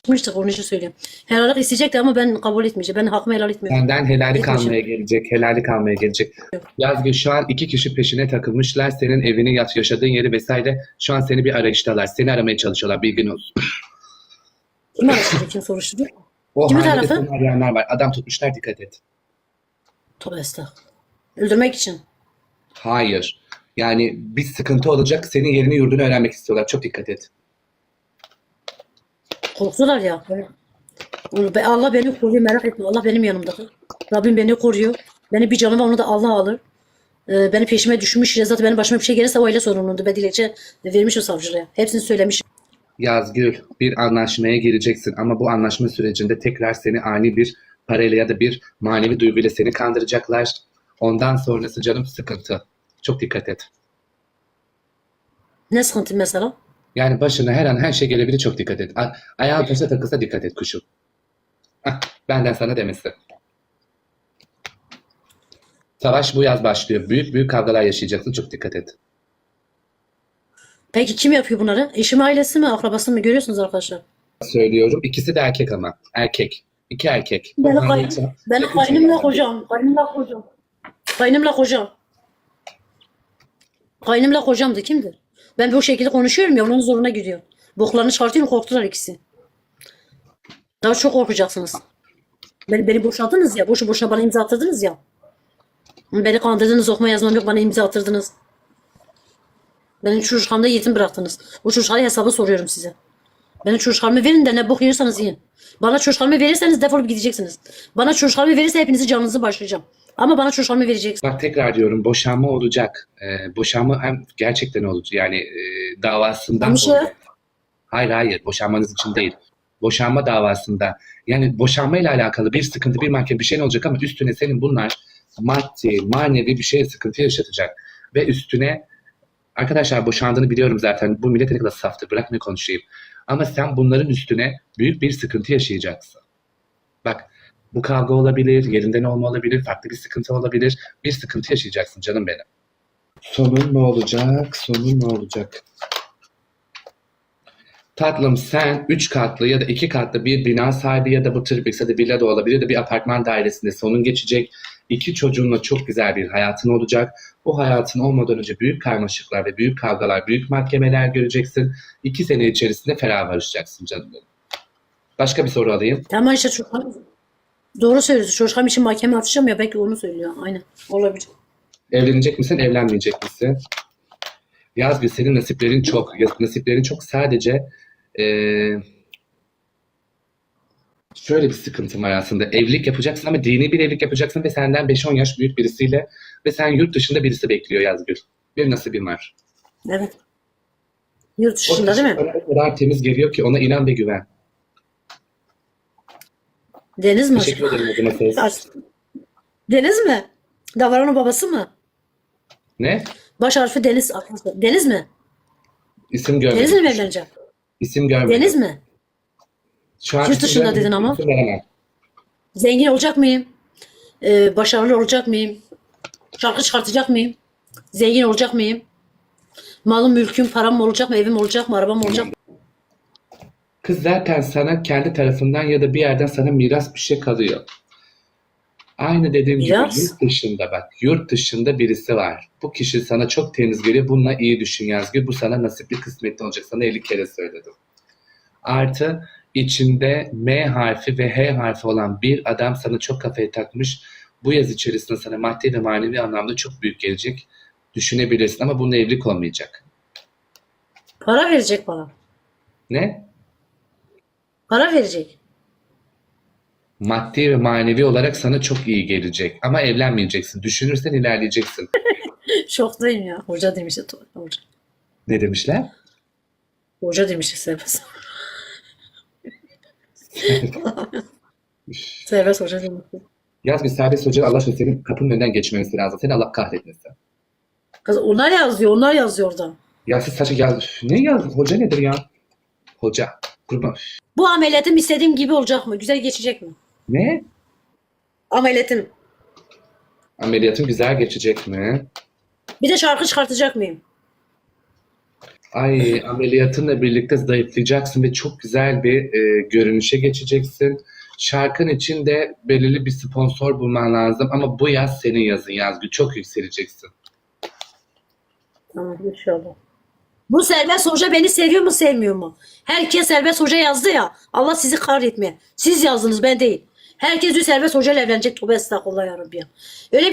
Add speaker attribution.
Speaker 1: Konuştuk onun için söylüyorum. Helallik isteyecekti ama ben kabul etmeyeceğim. Ben hakkımı helal etmiyorum.
Speaker 2: Senden helallik
Speaker 1: Etmeyeceğim.
Speaker 2: almaya gelecek, helallik almaya gelecek. Yazgül şu an iki kişi peşine takılmışlar. Senin evini, yaşadığın yeri vesaire. Şu an seni bir arayıştalar. Seni aramaya çalışıyorlar, bilgin olsun.
Speaker 1: Kim araştırdı? Kim soruşturdu?
Speaker 2: O
Speaker 1: Kimin
Speaker 2: hanede
Speaker 1: tarafı?
Speaker 2: seni arayanlar var. Adam tutmuşlar, dikkat et.
Speaker 1: Tövbe estağfurullah. Öldürmek için.
Speaker 2: Hayır. Yani bir sıkıntı olacak. Senin yerini yurdunu öğrenmek istiyorlar. Çok dikkat et.
Speaker 1: Korktular ya. Allah beni koruyor, merak etme. Allah benim yanımda. Rabbim beni koruyor. Beni bir canıma onu da Allah alır. Beni peşime düşmüş. Zaten benim başıma bir şey gelirse o aile sorumluluğundu. Ben dilekçe vermiş o savcılığa. Hepsini söylemiş.
Speaker 2: Yazgül, bir anlaşmaya gireceksin ama bu anlaşma sürecinde tekrar seni ani bir parayla ya da bir manevi duyguyla seni kandıracaklar. Ondan sonrası canım sıkıntı. Çok dikkat et.
Speaker 1: Ne sıkıntı mesela?
Speaker 2: Yani başına her an her şey gelebilir, çok dikkat et. Ayağın taşa takılsa dikkat et kuşum. Hah, benden sana demesi. Savaş bu yaz başlıyor. Büyük büyük kavgalar yaşayacaksın. Çok dikkat et.
Speaker 1: Peki kim yapıyor bunları? Eşim ailesi mi, akrabası mı? Görüyorsunuz arkadaşlar.
Speaker 2: Söylüyorum. İkisi de erkek ama. Erkek. İki erkek.
Speaker 1: Benim kaynımla kocam. Kaynımla kocam. Kaynımla kocam. Kaynımla kocam da kimdir? Ben bu şekilde konuşuyorum ya onun zoruna gidiyor. Boklarını çıkartıyorum, korktular ikisi. Daha çok korkacaksınız. Beni boşadınız ya. Boşu boşuna bana imza attırdınız ya. Beni kandırdınız, okuma yazmam yok, bana imza attırdınız. Benim çocuklarımda yetim bıraktınız. O çocuklara hesabı soruyorum size. Benim çocuklarımı verin de ne bok yiyorsanız yiyin. Bana çocuklarımı verirseniz defolup gideceksiniz. Bana çocuklarımı verirse hepinizi canınızı başlayacağım. Ama bana çocuklarımı vereceksiniz.
Speaker 2: Bak tekrar diyorum, boşanma olacak. Boşanma hem gerçekten olacak. Yani davasından
Speaker 1: Ama
Speaker 2: dolayı. Hayır, boşanmanız için değil. Boşanma davasında. Yani boşanmayla alakalı bir sıkıntı, bir mahkeme bir şey olacak ama üstüne senin bunlar maddi, manevi bir şeye sıkıntı yaşatacak. Ve üstüne arkadaşlar boşandığını biliyorum zaten. Bu millet ne kadar saftır. Bırak ne konuşayım. Ama sen bunların üstüne büyük bir sıkıntı yaşayacaksın. Bak bu kavga olabilir, yerinden olma olabilir, farklı bir sıkıntı olabilir. Bir sıkıntı yaşayacaksın canım benim. Sonun ne olacak? Sonun ne olacak? Tatlım sen 3 katlı ya da 2 katlı bir bina sahibi ya da bu triplex ya da villa da olabilir ya da bir apartman dairesinde sonun geçecek. 2 çocuğunla çok güzel bir hayatın olacak. Bu hayatın olmadan önce büyük karmaşıklar ve büyük kavgalar, büyük mahkemeler göreceksin. 2 sene içerisinde ferah barışacaksın canım benim. Başka bir soru alayım.
Speaker 1: Tamam işte doğru söylüyorsun. Çocuklarım için mahkeme açacağım ya belki onu söylüyor. Aynen. Olabilir.
Speaker 2: Evlenecek misin, evlenmeyecek misin? Yazgül senin nasiplerin çok. Nasiplerin çok sadece şöyle bir sıkıntım var aslında. Evlilik yapacaksın ama dini bir evlilik yapacaksın ve senden 5-10 yaş büyük birisiyle ve sen yurt dışında birisi bekliyor Yazgül. Bir nasibin var.
Speaker 1: Evet. Yurt
Speaker 2: O
Speaker 1: dışında
Speaker 2: kişi
Speaker 1: değil mi?
Speaker 2: sana o kadar temiz geliyor ki ona inan ve güven.
Speaker 1: Deniz mi
Speaker 2: Teşekkür
Speaker 1: acaba?
Speaker 2: ederim adına söz.
Speaker 1: Deniz mi? Davaran'ın babası mı?
Speaker 2: Ne?
Speaker 1: Baş harfi Deniz arkadaşlar. Deniz mi?
Speaker 2: İsim
Speaker 1: Deniz'le
Speaker 2: görmedim.
Speaker 1: mi evleneceğim?
Speaker 2: İsim görmedim.
Speaker 1: Deniz mi?
Speaker 2: Şu an
Speaker 1: Yurt
Speaker 2: isim
Speaker 1: dışında
Speaker 2: görmedim,
Speaker 1: dedin ama.
Speaker 2: isim veremem.
Speaker 1: Zengin olacak mıyım? Başarılı olacak mıyım? Şarkı çıkartacak mıyım? Zengin olacak mıyım? Malım, mülküm, param mı olacak mı? Evim olacak mı? Arabam olacak mı?
Speaker 2: Kız zaten sana kendi tarafından ya da bir yerden sana miras bir şey kalıyor. Aynı dediğim gibi
Speaker 1: Miras?
Speaker 2: yurt dışında bak, yurt dışında birisi var. Bu kişi sana çok temiz geliyor. Bununla iyi düşün Yazgül. Bu sana nasipli kısmetli olacak. Sana 50 kere söyledim. Artı içinde M harfi ve H harfi olan bir adam sana çok kafaya takmış. Bu yaz içerisinde sana maddi ve manevi anlamda çok büyük gelecek. Düşünebilirsin ama bununla evlilik olmayacak.
Speaker 1: Para verecek bana.
Speaker 2: Ne?
Speaker 1: Para verecek.
Speaker 2: Maddi ve manevi olarak sana çok iyi gelecek. Ama evlenmeyeceksin. Düşünürsen ilerleyeceksin.
Speaker 1: Şoktayım ya. Hoca demişti. Hoca.
Speaker 2: Ne demişler?
Speaker 1: Hoca demişti Serbest. Serbest hoca demişti.
Speaker 2: Yaz bir serbest hoca Allah aşkına senin kapının önünden geçmemesi lazım. Seni Allah kahretmesin.
Speaker 1: Kız onlar yazıyor. Onlar yazıyor orada.
Speaker 2: Ya siz saçı yaz. Ne yaz? Hoca nedir ya? Hoca. Kurban.
Speaker 1: Bu ameliyatım istediğim gibi olacak mı? Güzel geçecek mi?
Speaker 2: Ne?
Speaker 1: Ameliyatım.
Speaker 2: Ameliyatın güzel geçecek mi?
Speaker 1: Bir de şarkı çıkartacak mıyım?
Speaker 2: Ay, ameliyatınla birlikte zayıflayacaksın ve çok güzel bir görünüşe geçeceksin. Şarkın için de belirli bir sponsor bulman lazım ama bu yaz senin yazın Yazgül. Çok yükseleceksin.
Speaker 1: Tamam inşallah. Bu Serbest Hoca beni seviyor mu sevmiyor mu? Herkes Serbest Hoca yazdı ya. Allah sizi kahretmeye. Siz yazdınız ben değil. Herkes diyor Serbest Hoca ile evlenecek. Tövbe estağfurullah ya Rabbi ya. Öyle